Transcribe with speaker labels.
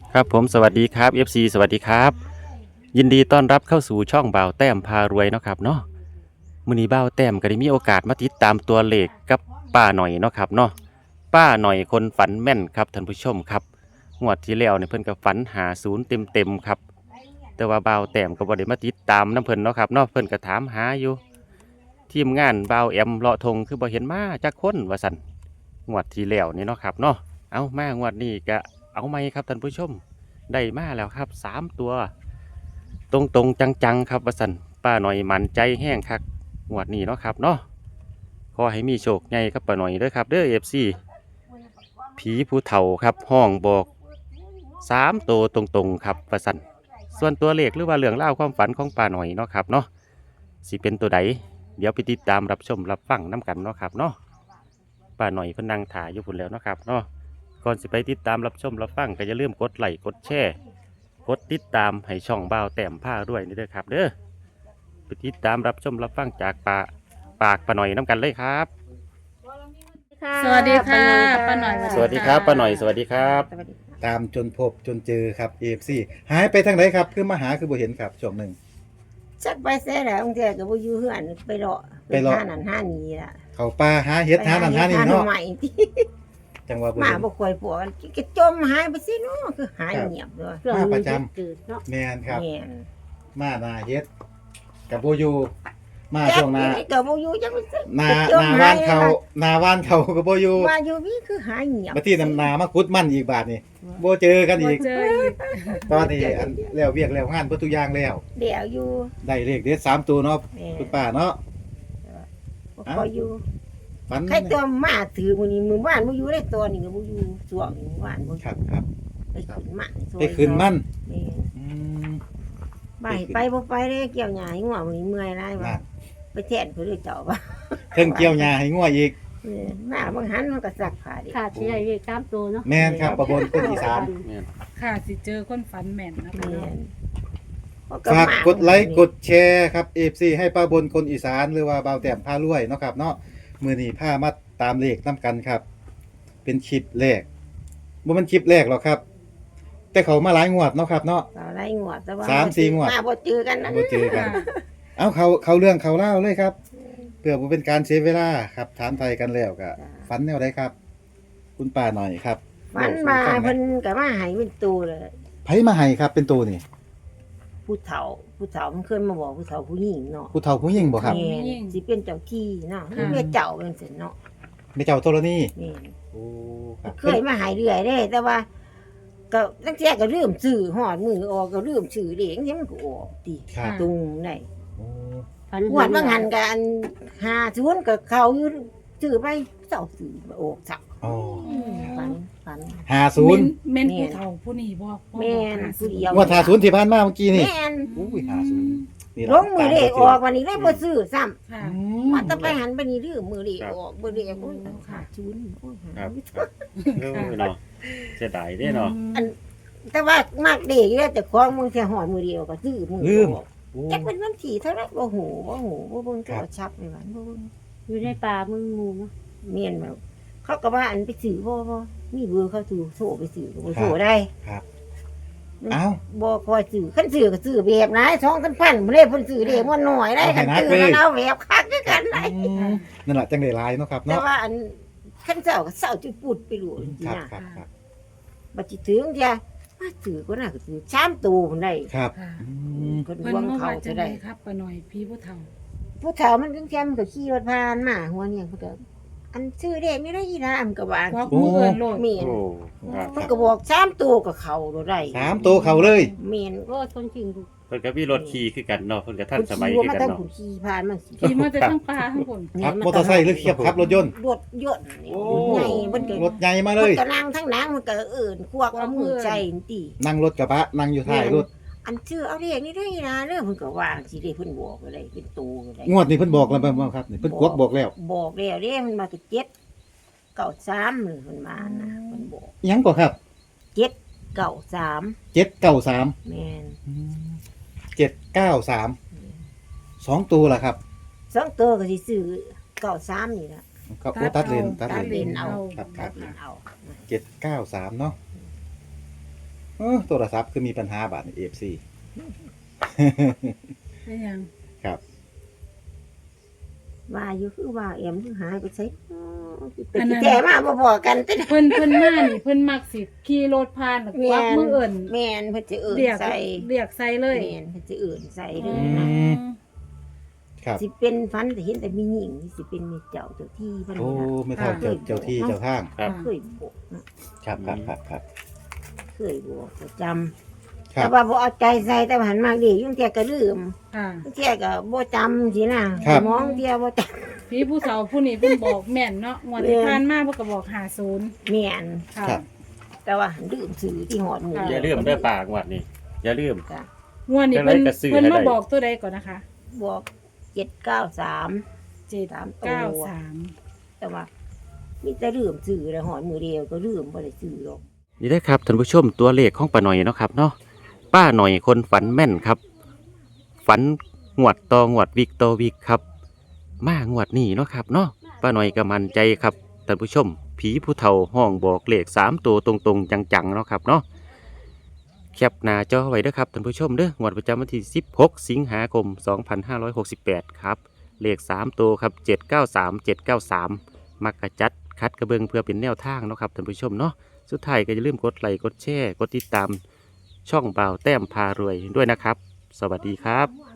Speaker 1: ครับผมสวัสดีครับ FC สวัสดีครับยินดีต้อนรับเข้าสู่ช่องบ่าวแต้มพารวยเนาะครับเนาะมื้อนี้บ่าวแต้มก็ได้มีโอกาสมาติดตามตัวเลขกับป้าหน่อยเนาะครับเนาะป้าหน่อยคนฝันแม่นครับท่านผู้ชมครับงวดที่แล้วเนี่ยเพิ่นก็ฝันหาศูนย์เต็มครับแต่ว่าบ่าวแต้มก็บ่ได้มาติดตามน้ำเพิ่นเนาะครับเนาะเพิ่นก็ถามหาอยู่ทีมงานบ่าวแอมเลาะทงคือบ่เห็นมาจักคนว่าซั่นงวดที่แล้วนี่เนาะครับเนาะเอามางวดนี้ก็เอาไหมครับท่านผู้ชม ได้มาแล้วครับ3 ตัวตรงตรงจังๆครับว่าสันป้าหน่อยมันใจแห้งคักงวดนี้เนาะครับเนาะขอให้มีโชคใหญ่ครับป้าหน่อยเด้อครับเด้อFCผีผู้เฒ่าครับห้องบอก3 ตัวตรงๆครับว่าสันส่วนตัวเลขหรือว่าเรื่องเล่าวความฝันของป้าหน่อยเนาะครับเนาะสิเป็นตัวใดเดี๋ยวไปติดตามรับชมรับฟังน้กันเนาะครับเนาะป้าหน่อยเพนนังถ่ายอยู่พุ่นแล้วเนาะครับเนาะก่อนสิไปติดตามรับชมรับฟังก็อย่าลืมกดไลค์กดแชร์ กดติดตามให้ช่องบ่าวแต้มผ้าด้วยนี่เด้อครับเด้อไปติดตามรับชมรับฟังจากปากป้าหน่อยน้ำกันเลยครับ
Speaker 2: สวัสดีค่ะป้าหน่อย
Speaker 1: สวัสดีครับป้าหน่อยสวัสดีครับ
Speaker 3: สวัสดีค่ะ
Speaker 4: ตามจนพบจนเจอครับ AFC หายไปทางไหนครับคือมาหาคือบ่เห็นครับช่วงหนึ่ง
Speaker 3: จักไปแซ่แล้วบางเทีก็บ่อยู่เฮือนไปเลาะ
Speaker 4: ไปเลาะ
Speaker 3: หานั่นหานี่ล่ะ
Speaker 4: เขาป่าหาเฮ็ดหานั่นหานี่เนาะ
Speaker 3: ใหม่ที่
Speaker 4: จังว่าบ่
Speaker 3: มา
Speaker 4: เห็น
Speaker 3: บ่ค่อยปวดก็จมหายไปสิเนาะคือหายเงียบเลย
Speaker 4: มาประจำ
Speaker 2: จืดเนาะ
Speaker 4: แม่นครับ
Speaker 3: แม่น
Speaker 4: มาหน้าเฮ็ดกับบ่อยู่มาช่วงหน้า
Speaker 3: ก็บ่อยู่จังไปสิ
Speaker 4: หน้า
Speaker 3: จม
Speaker 4: หน้า
Speaker 3: ห
Speaker 4: บ้านเขาก็บ่อยู่
Speaker 3: มาอยู่นี่คือหายเงียบ
Speaker 4: มาที่นนามากุดมันอีกบาทนี่บ่เจอกันอีก
Speaker 2: เจออีก
Speaker 4: ตอนนี้อันแล้วเวียกแล้วงานเบิดทุกอย่างแล้ว
Speaker 3: เดี๋ยวอยู่
Speaker 4: ได้เลขเด็ด3ตัวเนาะ
Speaker 3: แม่
Speaker 4: คุณป้าเนาะ
Speaker 3: บ่ค่อยอยู่
Speaker 4: ฝัน
Speaker 3: ใครตัวมาถือมื้อนี้มื้อวานบ่อยู่ได้ตัวนี้ก็บ่อยู่ช่วงมื้อวานบ่
Speaker 4: ครับครับ
Speaker 3: ไปขึ้นมันซอย
Speaker 4: ไปคืนมัน
Speaker 3: แม่น
Speaker 4: อืม
Speaker 3: บ่ให้ไปบ่ไปเด้เกี่ยวหญ้าให้งัวมื้อนี้เมื่อยหลายว่า
Speaker 4: นั่น
Speaker 3: ไปแทนเพิ่นเลยเจ้าว่า
Speaker 4: เทิงเกี่ยวหญ้าให้งัวอีก
Speaker 3: หน้าบางหันมันก็สักผ้าดิ
Speaker 2: ค่ะที่ใหญ่เรียกตามตัวเนาะ
Speaker 4: แม่นครับประบนคนอีสาน
Speaker 5: ค่ะสิเจอคนฝันแม่นนะคะ
Speaker 3: แม่
Speaker 5: เนาะ
Speaker 3: น
Speaker 4: ฝากกดไลค์กดแชร์ครับ FC ให้ป้าบนคนอีสานหรือว่าบ่าวแต้มพารวยเนาะครับเนาะมื้อนี้พามาตามเลขนํกันครับ เป็นคลิปแรกบ่มันคลิปแรกหรอกครับ แต่เขามาหลายงวดเนาะครับเนาะ
Speaker 3: ต่อไล่งวดแต่ว่า
Speaker 4: 3-4งวด
Speaker 3: มาบ่เจอกันนะ
Speaker 4: บ่เจอกัน เอาเขาเรื่องเขาเล่าวเลยครับเพื่อบ่เป็นการเสียเวลาครับถามไทยกันแล้วก็ฝันแนวใดครับ คุณป้าหน่อยครับ
Speaker 3: ฝันมาเพิ่นก็มาให้เป็นตัวเลย
Speaker 4: ไผมาให้ครับเป็นตัวนี่
Speaker 3: ผู้เฒ่ามันเคยมาบอกผู้เฒ่าผู้หญิงเนาะ
Speaker 4: ผู้เฒ่าผู้หญิงบ่ครับ
Speaker 3: แม่นสิเป็นเจ้าที่เนาะเรียกเจ้าเป็นสิเนาะ
Speaker 4: แม่เจ้าธรณี
Speaker 3: แม่น
Speaker 4: โอ้ครับ
Speaker 3: เคยมาให้เรื่อยเด้ แต่ว่า ก็ตั้งแต่ก็ลืมซื้อฮอดมือออกก็ลืมซื้อเด้จังมันก็ออกติ
Speaker 4: ครับ
Speaker 3: ตรงได้
Speaker 4: โอ้
Speaker 2: ฝัน
Speaker 3: งวดบางหันกัน50ก็เข้าอยู่ซื้อไปเจ้าซื้อมาออกจัก
Speaker 4: อ๋อ
Speaker 3: ฝัน
Speaker 4: 50
Speaker 5: แม่นผู้เฒ่าผู้นี้บอก
Speaker 3: แม่นผู้เดียว
Speaker 4: งวด50ที่ผ่านมาเมื่อกี้นี่
Speaker 3: แม่น
Speaker 4: อุ้ย50นี่
Speaker 3: ลงมือเลขออกวันนี้เลยบ่ซื้อซ้ำ
Speaker 5: ค่ะ
Speaker 3: ว่าแตะไปหันไปนี่ลืมมือเลขออกบ่เลขโอ้ยขาดทุนโอ้ยหา
Speaker 1: ครับเออเนาะเสียดายเด้เนาะ
Speaker 3: แต่ว่ามากเลขอยู่แล้วแต่ของมึงแค่หอดมือเดียวก็ซื้อมือออก
Speaker 4: โอ้
Speaker 3: จักเป็นวันที่เท่าไหร่บ่ฮู้บ่เบิ่งโทรศัพท์นี่ว่าบ่เบิ่ง
Speaker 2: อยู่ในป่ามึงงูเนาะ
Speaker 3: เมียนแบบเขาก็ว่าอันไปซื้อบ่มีเบอร์เขาซื้อโทรไปซื้อก็บ่โทรได้
Speaker 4: ครับเอ้า
Speaker 3: บ่คอยซื้อคันซื้อก็ซื้อแบบไหน2,000บ่ได้เพิ่นซื้อเด้มันน้อยได้คันซื้อแล้วเอาแบบคักคือกันได้
Speaker 4: นั่นแหละจังได้หลายเนาะครับ
Speaker 3: แต่
Speaker 4: เนาะ
Speaker 3: ว่าอันคันเจ้าก็เศร้าจุดปุดไปรู้จริง
Speaker 4: ครับ
Speaker 3: ๆ
Speaker 4: ครั
Speaker 3: นะ
Speaker 4: บครับ
Speaker 3: บัดสิถึงเดียมาซื้อก็น่าก็ซื้อ3ตัวพุ่นได้
Speaker 4: ครับ
Speaker 5: ค่ะ
Speaker 4: อืม
Speaker 3: เพิ่น
Speaker 5: เพิ่น
Speaker 3: วาง
Speaker 5: มา
Speaker 3: เขา
Speaker 5: ว่าจั
Speaker 3: จะ
Speaker 5: งได
Speaker 3: ได้
Speaker 5: ครับป้าหน่อยพี่ผู้เฒ่า
Speaker 3: ผู้เฒ่ามันจังซี่มันก็ขี่รถผ่านมาหัวเนี่ยเพิ่นก็อันซื้อเด้ไม่ได้อีหลามันก็ว่า
Speaker 5: ควักมือเอิ้นโลด
Speaker 3: เมียน
Speaker 1: โอ้ครับ
Speaker 3: มันก็บอก3ตัวก็เข้าโดได้
Speaker 4: 3ตัวเขาเลย
Speaker 3: เมียน
Speaker 2: โอ้คนจริงดู
Speaker 1: เพิ่นก็มีรถขี่คือกันเนาะเพิ่นก็ทัน
Speaker 3: คุณ
Speaker 1: สมัย
Speaker 3: ขี่
Speaker 1: คือ
Speaker 3: มา
Speaker 1: กัน
Speaker 3: ตั้ง
Speaker 1: เนาะ
Speaker 3: คุณขี่ผ่านมันสิ
Speaker 5: ขี่มาแต่ทั้งป่าทั้งคน
Speaker 4: ครับมอเตอร์ไซค์หรือเขียบครับรถยนต์
Speaker 3: รถยนต์นี่ใหญ่มันก็
Speaker 4: รถใหญ่มาเล
Speaker 3: มัน
Speaker 4: ย
Speaker 3: ก็นั่งทั้งหนังมันก็เอิ้นควักเอามือใจนี่ติ
Speaker 4: นั่งรถกระบะนั่งอยู่ท้ายรถ
Speaker 3: อันชื่อเอาเรียกนี่ได้นะเรื่องเพิ่นก็ว่าสิได้เพิ่นบอกอะไรเป็นตัวอะไร
Speaker 4: งวดนี้เพิ่นบอกแล้วบ่ครับนี่เพิ่นกวกบอกแล้ว
Speaker 3: บอกแล้วเด้มันมาก็7 93เลยเพิ่นมานะเพิ่นบอก
Speaker 4: อิหยังก็ครับ
Speaker 3: 93
Speaker 4: 793
Speaker 3: แม่น
Speaker 4: 793 2ตัวล่ะครับ
Speaker 3: สองตัวก็สิซื้อ93นี่ล่ะ
Speaker 4: ก็โอ้ตัดเลนตัด
Speaker 3: ตัด
Speaker 4: เล
Speaker 3: เล
Speaker 4: น
Speaker 3: นเอา
Speaker 4: ครับค
Speaker 3: ตั
Speaker 4: รั
Speaker 3: ด
Speaker 4: บ
Speaker 3: เลนเอา
Speaker 4: 793เนาะโทรศัพท์คือมีปัญหาบาดใน FC
Speaker 5: เป็นหยัง
Speaker 4: ครับ
Speaker 3: ว่าอยู่คือว่าเอ็มคือหายไปใส่เป็นที่แท้มาบ่พอกันแต่
Speaker 5: เพิ่นมานี่เพิ่นมักสิขี่รถผ่านแล้วควักมือเอิ่น
Speaker 3: แม่นเพิ่นจะเอิ่น
Speaker 5: เรียก
Speaker 3: ใส่
Speaker 5: เรียกใส่เลย
Speaker 3: แม่นเพิ่นจะเอิ่นใส่เล
Speaker 5: อื
Speaker 3: ยนะ
Speaker 5: ม
Speaker 4: ครับ
Speaker 3: สิเป็นฟันแต่เห็นแต่มีหญิงสิเป็นเมีเจ้าเจ้าที่เพิ่น
Speaker 4: โอ้
Speaker 3: นี่ล่ะ
Speaker 4: ไม่เท่าเจ้าที่เจ้าทาง
Speaker 1: ครับ
Speaker 3: เคยบอกนะครับ เคยบอกประจำ
Speaker 4: ครั
Speaker 3: แต่
Speaker 4: บ
Speaker 3: ว่าบ่เอาใจใส่แต่ว่าหันมาดียุ่งเที่ยก็ลืม
Speaker 5: ค่ะ
Speaker 3: ยุ่งเที่ยก็บ่จำสินะครับ สมองเที่ยบ่จำ
Speaker 5: พี่ผู้เฒ่าผู้นี้เพิ่นบอกแม่นเนาะงวดที่ผ่านมาเพิ่นก็บอก50
Speaker 3: แม่น
Speaker 5: ค่ะ
Speaker 4: ครับ
Speaker 3: แต่ว่าหันลืมซื้อที่หอดหมู
Speaker 1: อย่าลืมเด้อปากงวดนี้อย่าลืม
Speaker 3: จ้ะ
Speaker 5: งวดนี้เพิ่น
Speaker 1: จังไรก็ซื้อ
Speaker 5: เพิ่น
Speaker 1: ให้
Speaker 5: มา
Speaker 1: ได้
Speaker 5: บอกตัวใดก่อนนะคะ
Speaker 3: บอก793
Speaker 5: 793
Speaker 3: แต่ว่ามีแต่ลืมซื้อแล้วหอดมือเดียวก็ลืมบ่ได้ซื้อหรอก
Speaker 1: นี่ได้อครับท่านผู้ชมตัวเลขของป้าหน่อยเนาะครับเนาะป้าหน่อยคนฝันแม่นครับ ฝันงวดต่องวดวิกต่อวิกครับ มางวดนี้เนาะครับเนาะป้าหน่อยก็มั่นใจครับท่านผู้ชม ผีผู้เฒ่าห้องบอกเลข3ตัวตรงๆจังๆเนาะครับเนาะแคปหน้าจอไว้เด้อครับท่านผู้ชมเด้องวดประจำวันที่16 สิงหาคม 2568 ครับเลข3ตัวครับ793 มักกะจัดคัดกระเบิงเพื่อเป็นแนวทางเนาะครับท่านผู้ชมเนาะสุดท้ายก็อย่าลืมกดไลค์กดแชร์กดติดตามช่องบ่าวแต้มพารวยด้วยนะครับ สวัสดีครับ